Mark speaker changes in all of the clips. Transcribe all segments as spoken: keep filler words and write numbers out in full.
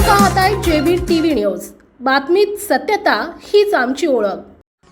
Speaker 1: पाहताय JB TV news. बातमीत सत्यता हीच आमची ओळख.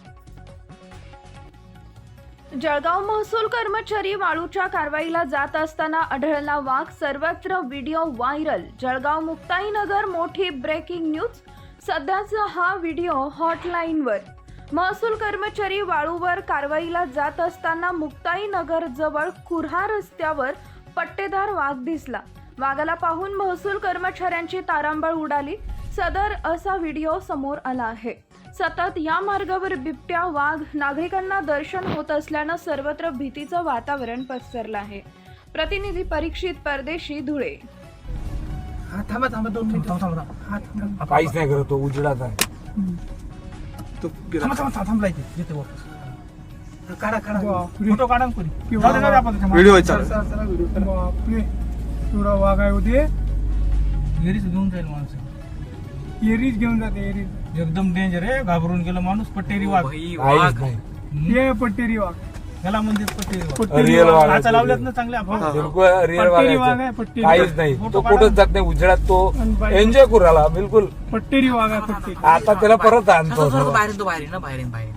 Speaker 2: जळगाव महसूल कर्मचारी वाळूच्या कारवाईला जात असताना आढळला वाघ. सर्वत्र व्हिडिओ व्हायरल. जळगाव मुक्ताईनगर मोठी ब्रेकिंग न्यूज. सध्याचा हा व्हिडिओ हॉटलाईनवर. महसूल कर्मचारी वाळूवर कारवाईला जात असताना मुक्ताईनगर जवळ कुऱ्हा रस्त्यावर पट्टेदार वाघ दिसला. वाघाला पाहून महसूल कर्मचाऱ्यांची तारांबळ उडाली. सदर असा व्हिडिओ समोर आला आहे. सतत या मार्गावर बिबट्या वाघ नागरिकांना दर्शन होत असल्यानं सर्वत्र भीतीचं वातावरण पसरलं आहे. प्रतिनिधी परीक्षित परदेशी, धुळे.
Speaker 3: हा थांबा थांबा दोन मिनिटं थांबा थांबा हा थांबा
Speaker 4: काहीच नाही करत तो, उजेडात आहे तो.
Speaker 3: थांबा थांबा थांबला इथे येते वापस. हा, काढा काढा फोटो काढा ना कोणी. जाऊ दे, जाऊ दे आपण त्याच्या
Speaker 4: व्हिडिओ
Speaker 3: मागे.
Speaker 4: चालू.
Speaker 3: चला, चला, व्हिडिओ करा. बापरे, एवढा वाघ आहे होते. एरीच घेऊन जाईल माणूस. एरीच घेऊन जाते. एरीच एकदम डेंजर आहे. घाबरून गेलं माणूस. पट्टेरी वाघ.
Speaker 4: काहीच नाही.
Speaker 3: हे पट्टेरी वाघ याला म्हणतात. पट्टेरी वाघ.
Speaker 4: Real
Speaker 3: पट्टेरी
Speaker 4: वाघ
Speaker 3: वाघ
Speaker 4: आहे
Speaker 3: आता
Speaker 4: तो.
Speaker 3: लावल्यात ना चांगले आपण.
Speaker 4: बिलकुल रिअल
Speaker 3: पट्टेरी वाघ आहे.
Speaker 4: वागायचं
Speaker 3: पट्टेरी
Speaker 4: काहीच
Speaker 3: वाघ.
Speaker 4: नाही.
Speaker 3: फोटो
Speaker 4: तो
Speaker 3: काढा.
Speaker 4: कुठंच जात नाही उजेडात. तो
Speaker 3: आणि बाई-
Speaker 4: एन्जॉय करू राहिला बिलकुल.
Speaker 3: पट्टेरी वाघ आहे. पट्टेरी.
Speaker 4: आता त्याला परत आणतो.
Speaker 5: बाहेर तो बाहेर ना बाहेर बाहेर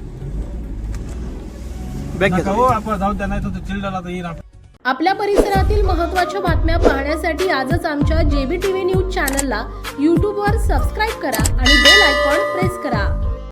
Speaker 3: नका हो, आपण जाऊ द्या, नाही तर तो चिल्डाला तर येईल आपण.
Speaker 1: आपल्या परिसरातील महत्त्वाच्या बातम्या पाहण्यासाठी आजच आमच्या जेबी टीव्ही न्यूज चॅनलला यूट्यूबवर सबस्क्राईब करा आणि बेल आयकॉन प्रेस करा.